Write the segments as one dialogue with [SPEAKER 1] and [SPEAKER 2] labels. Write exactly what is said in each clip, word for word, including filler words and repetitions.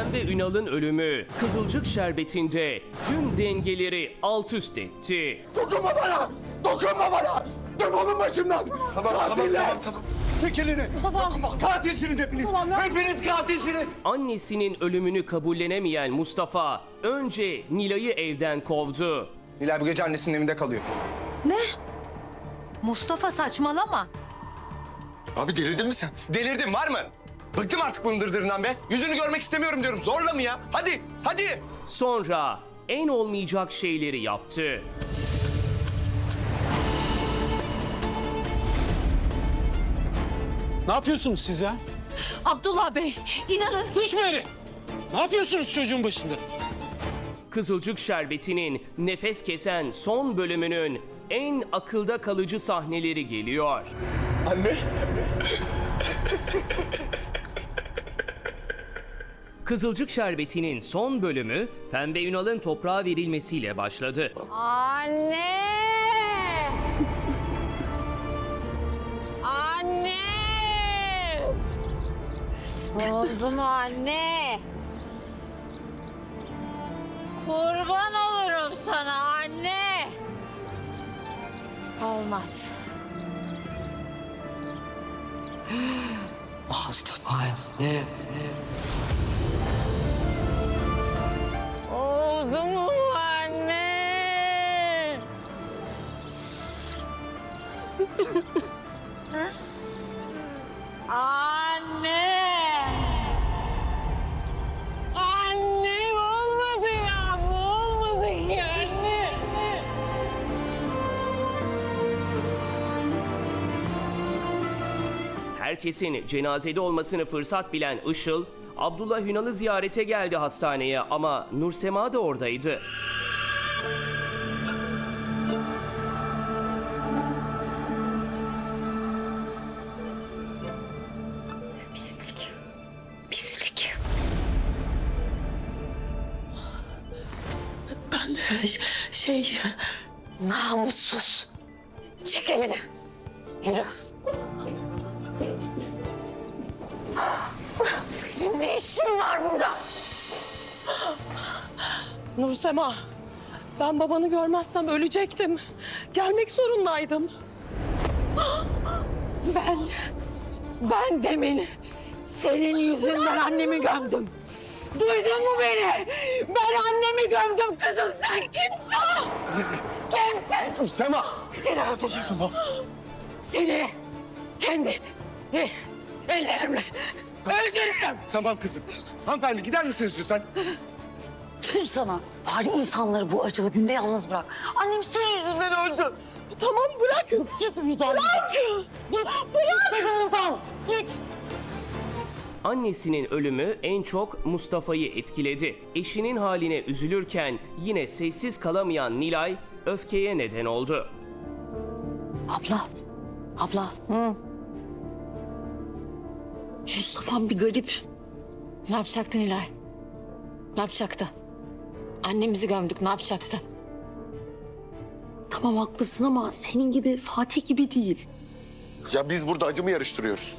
[SPEAKER 1] Pembe Ünal'ın ölümü Kızılcık Şerbeti'nde tüm dengeleri alt üst etti.
[SPEAKER 2] Dokunma bana! Dokunma bana! Defolun başımdan!
[SPEAKER 3] Tamam,
[SPEAKER 2] Katiller!
[SPEAKER 3] tamam, tamam, tamam. Çek elini. Dokunma. Katilsiniz hepiniz. Hepiniz katilsiniz.
[SPEAKER 1] Annesinin ölümünü kabullenemeyen Mustafa önce Nilay'ı evden kovdu.
[SPEAKER 3] Nilay bu gece annesinin evinde kalıyor.
[SPEAKER 4] Ne? Mustafa saçmalama.
[SPEAKER 3] Abi delirdin mi sen? Delirdim, var mı? Bıktım artık bunun dırdırından be. Yüzünü görmek istemiyorum diyorum. Zorla mı ya? Hadi, hadi.
[SPEAKER 1] Sonra en olmayacak şeyleri yaptı.
[SPEAKER 5] Ne yapıyorsunuz siz ya?
[SPEAKER 4] Abdullah Bey, inanın
[SPEAKER 5] Hikmeri! Ne yapıyorsunuz çocuğun başında?
[SPEAKER 1] Kızılcık Şerbeti'nin nefes kesen son bölümünün en akılda kalıcı sahneleri geliyor.
[SPEAKER 3] Anne.
[SPEAKER 1] Kızılcık Şerbeti'nin son bölümü Pembe Ünal'ın toprağa verilmesiyle başladı.
[SPEAKER 6] Anne! Anne! Oldu mu anne? Kurban olurum sana anne. Olmaz.
[SPEAKER 7] Ne?
[SPEAKER 6] Oldu mu anne? Anne! Anne olmadı ya, bu olmadı ki anne.
[SPEAKER 1] Herkesin cenazede olmasını fırsat bilen Işıl, Abdullah Ünal'ı ziyarete geldi hastaneye ama Nursema da oradaydı.
[SPEAKER 4] pislik. Pislik. Ben de ş- şey... Namussuz. Çek elini. Yürü. Senin ne işin var burada?
[SPEAKER 8] Nursema, ben babanı görmezsem ölecektim. Gelmek zorundaydım. Ben, ben demin senin yüzünden annemi gömdüm. Duydun mu beni? Ben annemi gömdüm kızım, sen kimsin? Kimsin?
[SPEAKER 3] Sema.
[SPEAKER 8] Seni öldürürüm. Seni kendi eh, ellerimle öldürürüm.
[SPEAKER 3] Tamam kızım. Hanımefendi gider misiniz lütfen?
[SPEAKER 4] Tüm sana. Bari insanları bu acılı günde yalnız bırak. Annem senin yüzünden öldü.
[SPEAKER 8] Tamam bırak.
[SPEAKER 4] Git buradan.
[SPEAKER 8] Bırak.
[SPEAKER 4] Git. Bırak. Git buradan. Git.
[SPEAKER 1] Annesinin ölümü en çok Mustafa'yı etkiledi. Eşinin haline üzülürken yine sessiz kalamayan Nilay öfkeye neden oldu.
[SPEAKER 4] Abla. Abla. Hı. Mustafa'm bir garip.
[SPEAKER 6] Ne yapacaktı Nilay? Ne yapacaktı? Annemizi gömdük, ne yapacaktı?
[SPEAKER 4] Tamam haklısın ama senin gibi Fatih gibi değil.
[SPEAKER 3] Ya biz burada acı mı yarıştırıyoruz?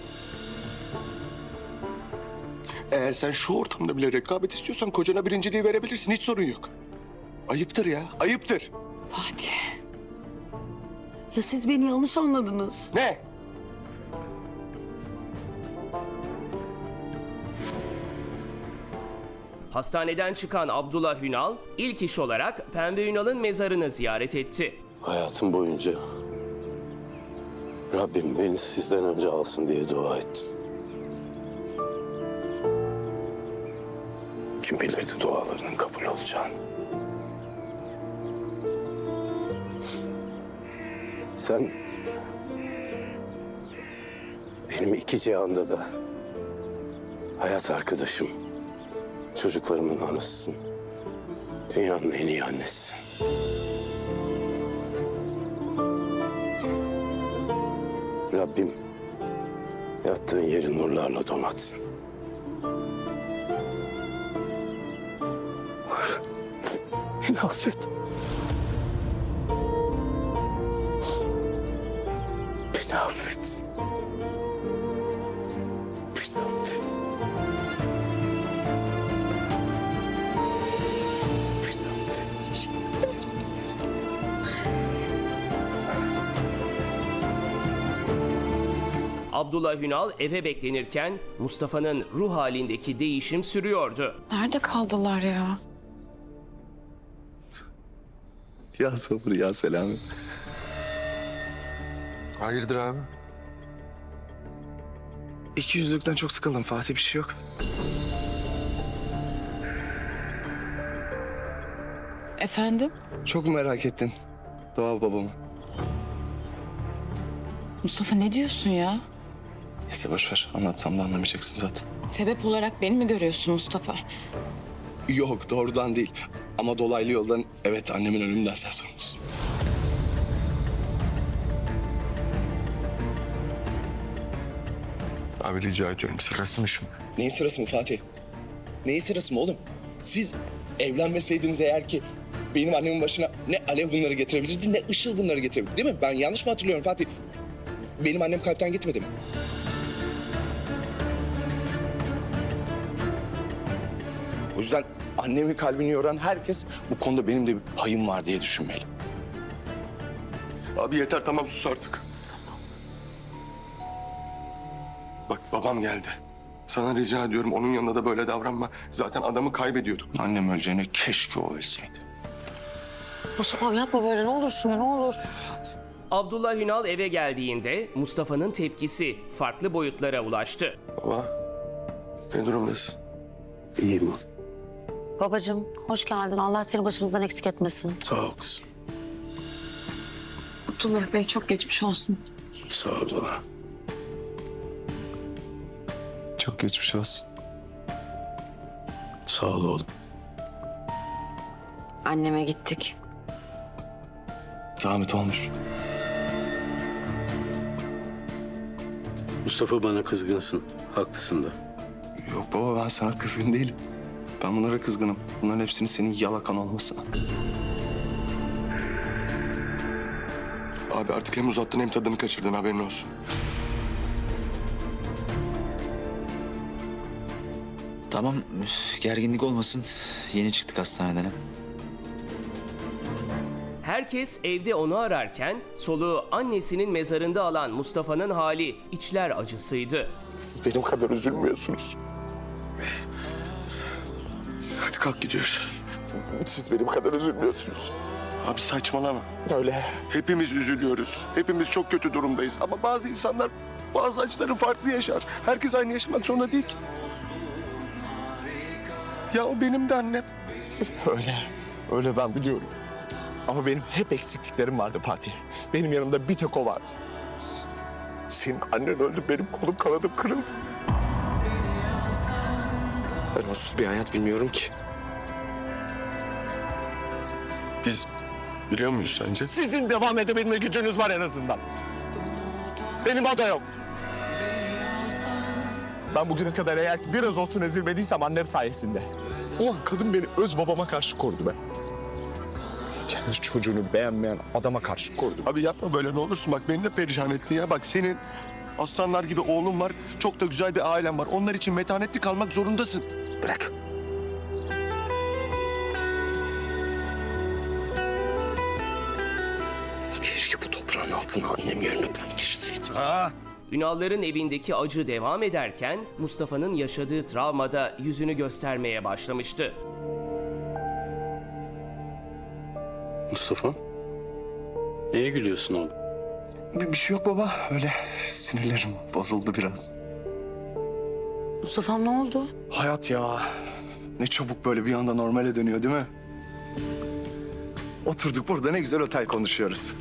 [SPEAKER 3] Eğer sen şu ortamda bile rekabet istiyorsan kocana birinciliği verebilirsin. Hiç sorun yok. Ayıptır ya, ayıptır.
[SPEAKER 6] Fatih.
[SPEAKER 4] Ya siz beni yanlış anladınız.
[SPEAKER 3] Ne?
[SPEAKER 1] Hastaneden çıkan Abdullah Ünal ilk iş olarak Pembe Ünal'ın mezarını ziyaret etti.
[SPEAKER 7] Hayatım boyunca Rabbim beni sizden önce alsın diye dua ettim. Kim bilirdi dualarının kabul olacağını. Sen benim iki cihanda da hayat arkadaşım, çocuklarımın anasısın. Dünyanın en iyi annesisin. Rabbim yattığın yeri nurlarla donatsın. Beni affet. Beni affet. Beni affet.
[SPEAKER 1] Abdullah Hünal eve beklenirken Mustafa'nın ruh halindeki değişim sürüyordu.
[SPEAKER 9] Nerede kaldılar ya?
[SPEAKER 3] Ya sabır ya Selami. Hayırdır abi? İki yüzlükten çok sıkıldım Fatih, bir şey yok.
[SPEAKER 9] Efendim?
[SPEAKER 3] Çok mu merak ettin Doğa babamı?
[SPEAKER 9] Mustafa ne diyorsun ya?
[SPEAKER 3] Neyse boş ver, anlatsam da anlamayacaksın zaten.
[SPEAKER 9] Sebep olarak beni mi görüyorsun Mustafa?
[SPEAKER 3] Yok, doğrudan değil. Ama dolaylı yoldan evet, annemin ölümünden sen sorumlusun. Abi rica ediyorum, sırası mı şimdi? Neyin sırası mı Fatih? Neyin sırası mı oğlum? Siz evlenmeseydiniz eğer ki benim annemin başına ne Alev bunları getirebilirdi ne Işıl bunları getirebilirdi, değil mi? Ben yanlış mı hatırlıyorum Fatih? Benim annem kalpten gitmedi mi? O yüzden annemin kalbini yoran herkes bu konuda benim de bir payım var diye düşünmeli. Abi yeter, tamam, sus artık. Bak babam geldi. Sana rica ediyorum, onun yanında da böyle davranma. Zaten adamı kaybediyorduk. Annem öleceğine keşke o ölseydi.
[SPEAKER 4] Mustafa yapma böyle ne olursun ne olur.
[SPEAKER 1] Abdullah Hünal eve geldiğinde Mustafa'nın tepkisi farklı boyutlara ulaştı.
[SPEAKER 3] Baba, ne durumdasın?
[SPEAKER 7] İyiyim.
[SPEAKER 4] Babacığım hoş geldin. Allah seni başımızdan eksik etmesin.
[SPEAKER 7] Sağ ol kızım.
[SPEAKER 9] Abdullah Bey çok geçmiş olsun.
[SPEAKER 7] Sağ ol Doğa.
[SPEAKER 3] Çok geçmiş olsun.
[SPEAKER 7] Sağ ol oğlum.
[SPEAKER 6] Anneme gittik.
[SPEAKER 3] Zahmet olmuş.
[SPEAKER 7] Mustafa bana kızgınsın. Haklısın da.
[SPEAKER 3] Yok baba, ben sana kızgın değilim. Ben bunlara kızgınım. Bunların hepsini senin yalakan olmasına. Abi artık hem uzattın hem tadını kaçırdın, haberin olsun.
[SPEAKER 10] Tamam, üf, gerginlik olmasın. Yeni çıktık hastaneden. ha.
[SPEAKER 1] Herkes evde onu ararken soluğu annesinin mezarında alan Mustafa'nın hali içler acısıydı.
[SPEAKER 3] Siz benim kadar üzülmüyorsunuz. Hadi kalk, gidiyoruz. Siz benim kadar üzülmüyorsunuz. Abi saçmalama. Öyle. Hepimiz üzülüyoruz. Hepimiz çok kötü durumdayız. Ama bazı insanlar bazı acıları farklı yaşar. Herkes aynı yaşamak zorunda değil ki. Ya o benim de annem.
[SPEAKER 2] Öyle. Öyle ben biliyorum. Ama benim hep eksikliklerim vardı Fatih. Benim yanımda bir tek o vardı. Senin annen öldü, benim kolum kanadım kırıldı.
[SPEAKER 3] Ben onsuz bir hayat bilmiyorum ki. Biz biliyor muyuz sence?
[SPEAKER 2] Sizin devam edebilme gücünüz var en azından. Benim o da yok. Ben bugüne kadar eğer ki biraz olsun ezilmediysem annem sayesinde. Ulan kadın beni öz babama karşı korudu be. Kendi çocuğunu beğenmeyen adama karşı korudu.
[SPEAKER 3] Abi yapma böyle, ne olursun, bak beni de perişan ettin ya. Bak senin aslanlar gibi oğlun var, çok da güzel bir ailen var. Onlar için metanetli kalmak zorundasın. Bırak.
[SPEAKER 7] Keşke bu toprağın altına annem yerine ben girseydim.
[SPEAKER 3] Ha.
[SPEAKER 1] Ünalların evindeki acı devam ederken Mustafa'nın yaşadığı travmada yüzünü göstermeye başlamıştı.
[SPEAKER 7] Mustafa, neye gülüyorsun oğlum?
[SPEAKER 3] Bir, bir şey yok baba, öyle sinirlerim bozuldu biraz.
[SPEAKER 4] Mustafa'm ne oldu?
[SPEAKER 3] Hayat ya, ne çabuk böyle bir anda normale dönüyor değil mi? Oturduk burada ne güzel otel konuşuyoruz.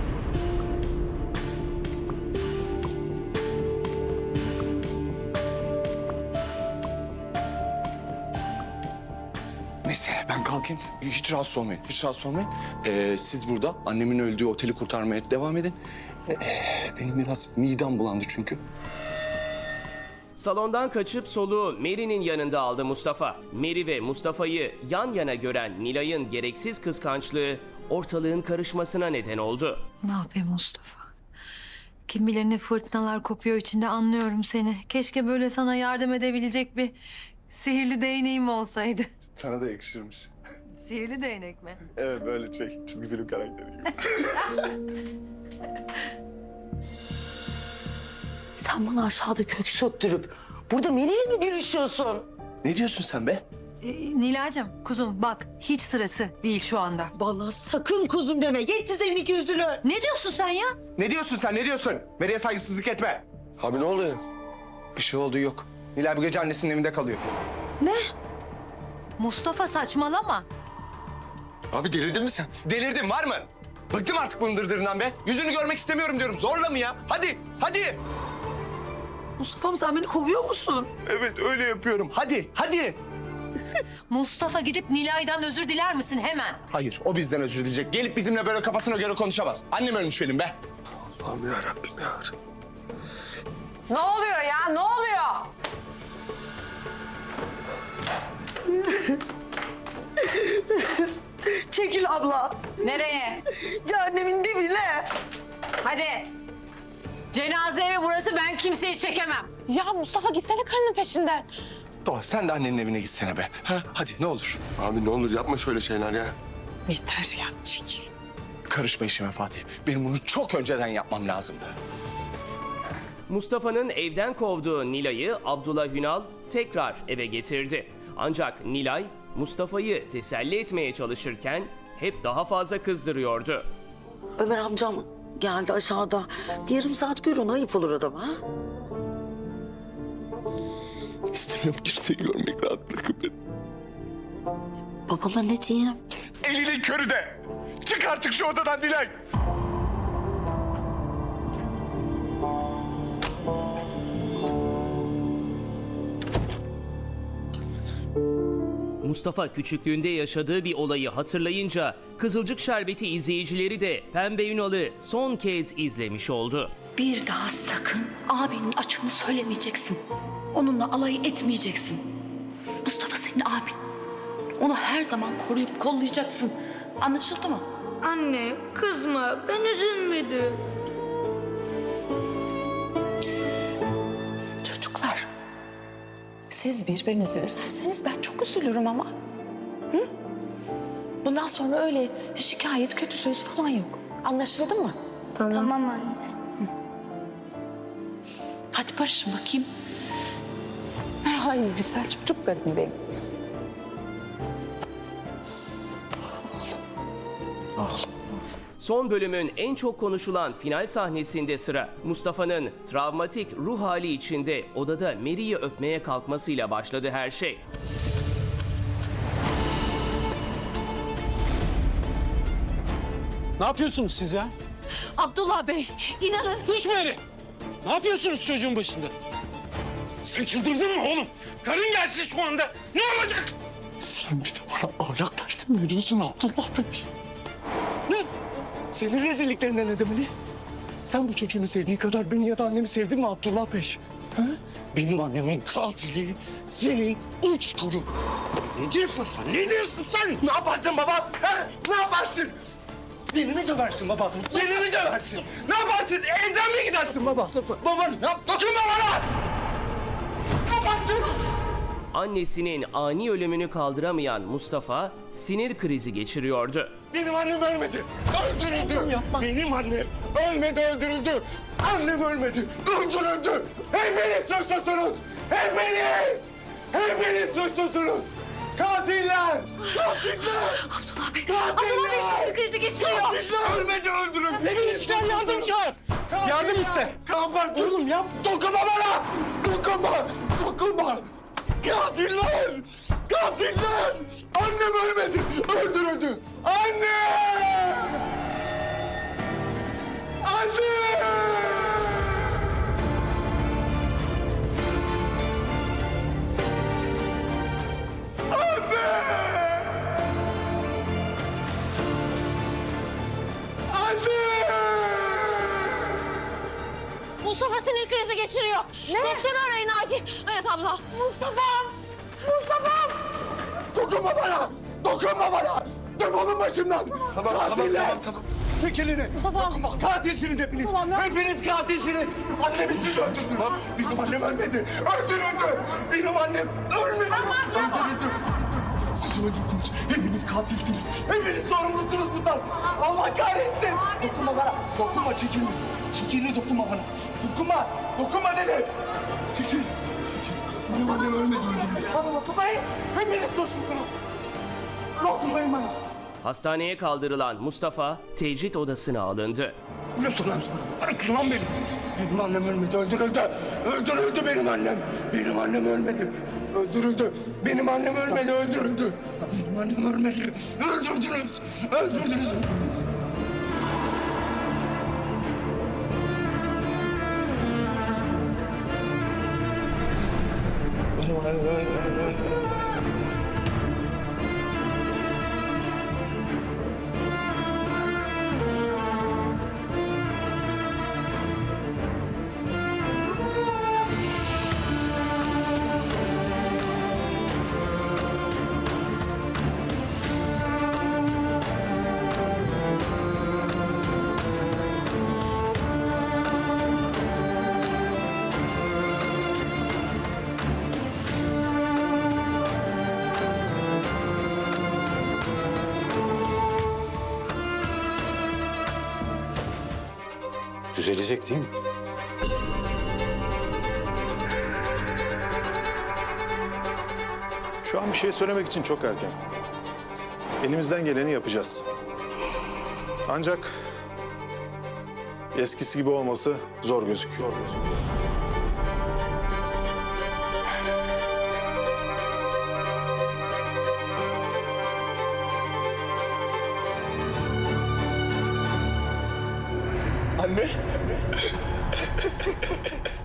[SPEAKER 3] Neyse ben kalkayım. Hiç rahatsız olmayın. Hiç rahatsız olmayın. Ee, siz burada annemin öldüğü oteli kurtarmaya devam edin. Ee, benim biraz midem bulandı çünkü.
[SPEAKER 1] Salondan kaçıp soluğu Mary'nin yanında aldı Mustafa. Mary ve Mustafa'yı yan yana gören Nilay'ın gereksiz kıskançlığı ortalığın karışmasına neden oldu.
[SPEAKER 11] Ne yapayım Mustafa? Kim bilir ne fırtınalar kopuyor içinde, anlıyorum seni. Keşke böyle sana yardım edebilecek bir sihirli değneğim olsaydı.
[SPEAKER 3] Sana da yakışırmış.
[SPEAKER 11] Sihirli değnek mi?
[SPEAKER 3] Evet, böyle şey, çizgi film karakteri gibi.
[SPEAKER 4] Sen bana aşağıda kök söktürüp burada Melih'le mi görüşüyorsun?
[SPEAKER 3] Ne diyorsun sen be?
[SPEAKER 11] Ee, Nilay'cığım kuzum bak hiç sırası değil şu anda.
[SPEAKER 8] Bana sakın kuzum deme. Yetti senin iki yüzünü.
[SPEAKER 11] Ne diyorsun sen ya?
[SPEAKER 3] Ne diyorsun sen ne diyorsun? Meri'ye saygısızlık etme.
[SPEAKER 7] Abi ne oluyor?
[SPEAKER 3] Bir şey olduğu yok. Nilay bu gece annesinin evinde kalıyor.
[SPEAKER 11] Mustafa saçmalama.
[SPEAKER 7] Abi delirdin mi sen?
[SPEAKER 3] Delirdin var mı? Bıktım artık bunun dırdırından be. Yüzünü görmek istemiyorum diyorum. Zorla mı ya? Hadi, hadi.
[SPEAKER 8] Mustafa'm sen beni kovuyor musun?
[SPEAKER 3] Evet öyle yapıyorum. Hadi, hadi.
[SPEAKER 11] Mustafa gidip Nilay'dan özür diler misin hemen?
[SPEAKER 3] Hayır, o bizden özür dileyecek. Gelip bizimle böyle kafasına göre konuşamaz. Annem ölmüş benim be.
[SPEAKER 7] Allah'ım yarabbim ya.
[SPEAKER 6] Ne oluyor ya? Ne oluyor?
[SPEAKER 8] Çekil abla.
[SPEAKER 6] Nereye?
[SPEAKER 8] Cehennemin dibine.
[SPEAKER 6] Hadi. Cenaze evi burası, ben kimseyi çekemem. Ya Mustafa gitsene karının peşinden.
[SPEAKER 3] Doğa sen de annenin evine gitsene be. Ha? Hadi ne olur.
[SPEAKER 7] Abi ne olur yapma şöyle şeyler ya.
[SPEAKER 8] Yeter ya çekil.
[SPEAKER 3] Karışma işime Fatih. Benim bunu çok önceden yapmam lazımdı.
[SPEAKER 1] Mustafa'nın evden kovduğu Nilay'ı Abdullah Hünal tekrar eve getirdi. Ancak Nilay Mustafa'yı teselli etmeye çalışırken hep daha fazla kızdırıyordu.
[SPEAKER 4] Ömer amcam geldi aşağıda. Bir yarım saat gör onu, ayıp olur adama. Ha?
[SPEAKER 2] İstemiyorum kimseyi görmek, rahat bırakın beni.
[SPEAKER 4] Babama ne diyeyim?
[SPEAKER 2] Elinin körü de. Çık artık şu odadan Nilay.
[SPEAKER 1] Mustafa küçüklüğünde yaşadığı bir olayı hatırlayınca Kızılcık Şerbeti izleyicileri de Pembe Ünal'ı son kez izlemiş oldu.
[SPEAKER 4] Bir daha sakın abinin açığını söylemeyeceksin. Onunla alay etmeyeceksin. Mustafa senin abin. Onu her zaman koruyup kollayacaksın. Anlaşıldı mı?
[SPEAKER 8] Anne kızma, ben üzülmedim.
[SPEAKER 4] Çocuklar, siz birbirinizi üzerseniz ben çok üzülürüm ama. Hı? Bundan sonra öyle şikayet, kötü söz falan yok. Anlaşıldı mı?
[SPEAKER 8] Tamam anne.
[SPEAKER 4] Hadi barışın bakayım. Ay güzel çocuklarım benim.
[SPEAKER 1] Son bölümün en çok konuşulan final sahnesinde sıra Mustafa'nın travmatik ruh hali içinde odada Mary'i öpmeye kalkmasıyla başladı her şey.
[SPEAKER 5] Ne yapıyorsunuz siz ya?
[SPEAKER 8] Abdullah Bey, inanın.
[SPEAKER 5] Sus Meri! Ne yapıyorsunuz çocuğun başında? Sen çıldırdın mı oğlum? Karın gelsin şu anda. Ne olacak?
[SPEAKER 2] Sen bir de bana ahlak dersi mi veriyorsun Abdullah Bey?
[SPEAKER 5] Ne?
[SPEAKER 2] Senin rezilliklerine ne demeli? Sen bu çocuğunu sevdiği kadar beni ya da annemi sevdin mi Abdullah Bey? Ha? Benim annemin katili senin uç kuru.
[SPEAKER 5] Ne diyorsun sen? Ne diyorsun sen?
[SPEAKER 2] Ne yaparsın baba? Ha? Ne yaparsın? Beni mi döversin baba? Beni mi döversin? Ne yaparsın? Evden mi gidersin baba? Baba ne yap? Dokunma bana! Ne yaparsın?
[SPEAKER 1] Annesinin ani ölümünü kaldıramayan Mustafa sinir krizi geçiriyordu.
[SPEAKER 2] Benim annem ölmedi. Öldürüldü. Benim annem ölmedi, öldürüldü. Annem ölmedi, öldürüldü. Hepiniz suçlusunuz. Hepiniz. Hepiniz suçlusunuz. Katiller. Katiller.
[SPEAKER 8] Abdullah Bey,
[SPEAKER 2] Katiller.
[SPEAKER 8] Abdullah Bey sinir krizi geçiriyor.
[SPEAKER 2] Katiller ölmedi, öldürüldü.
[SPEAKER 5] Hepiniz çıkar yardım çağır. Yardım iste.
[SPEAKER 2] Kaparsın.
[SPEAKER 5] Oğlum yap.
[SPEAKER 2] Dokunma bana. Dokunma. Dokunma. Katiller. Katiller. Annem ölmedi, öldürüldü. Anne. Anne.
[SPEAKER 8] Mustafa sinir krizi geçiriyor. Ne? Doktoru arayın acil. Evet abla. Mustafa'm. Mustafa'm.
[SPEAKER 2] Dokunma bana! Dokunma bana! Defolun başımdan!
[SPEAKER 7] Tamam,
[SPEAKER 2] Katiller!
[SPEAKER 7] tamam, tamam,
[SPEAKER 2] Çek elini!
[SPEAKER 8] Mustafa!
[SPEAKER 2] Dokunma! Katilsiniz hepiniz! Hepiniz katilsiniz! Annemi siz öldürdünüz! Benim annem ölmedi! Öldürüldü! Benim annem ölmedi! Öldürüldü! Siz öldürdünüz! Hepiniz katilsiniz. Hepiniz sorumlusunuz bundan. Allah kahretsin. Dokunma bana. Dokunma, çekil. Çekil, dokunma bana. Dokunma. Dokunma dedim. Çekil. Çekil. Benim annem ölmedi, öldürüldü. Bana dokunmayın. Hepiniz suçlusunuz. Dokunmayın bana.
[SPEAKER 1] Hastaneye kaldırılan Mustafa tecrit odasına alındı.
[SPEAKER 2] Nasıl lan? Bırakın lan beni. Benim annem ölmedi, öldürüldü. Öldürüldü benim annem. Benim annem ölmedi. Öldürüldü. Benim annem ölmedi, öldürüldü. Benim annem ölmedi. Öldürdünüz. Öldürdünüz. Benim annem ölmedi.
[SPEAKER 5] Düzelecek değil mi?
[SPEAKER 12] Şu an bir şey söylemek için çok erken. Elimizden geleni yapacağız. Ancak eskisi gibi olması zor gözüküyor. Zor gözüküyor.
[SPEAKER 2] Anne.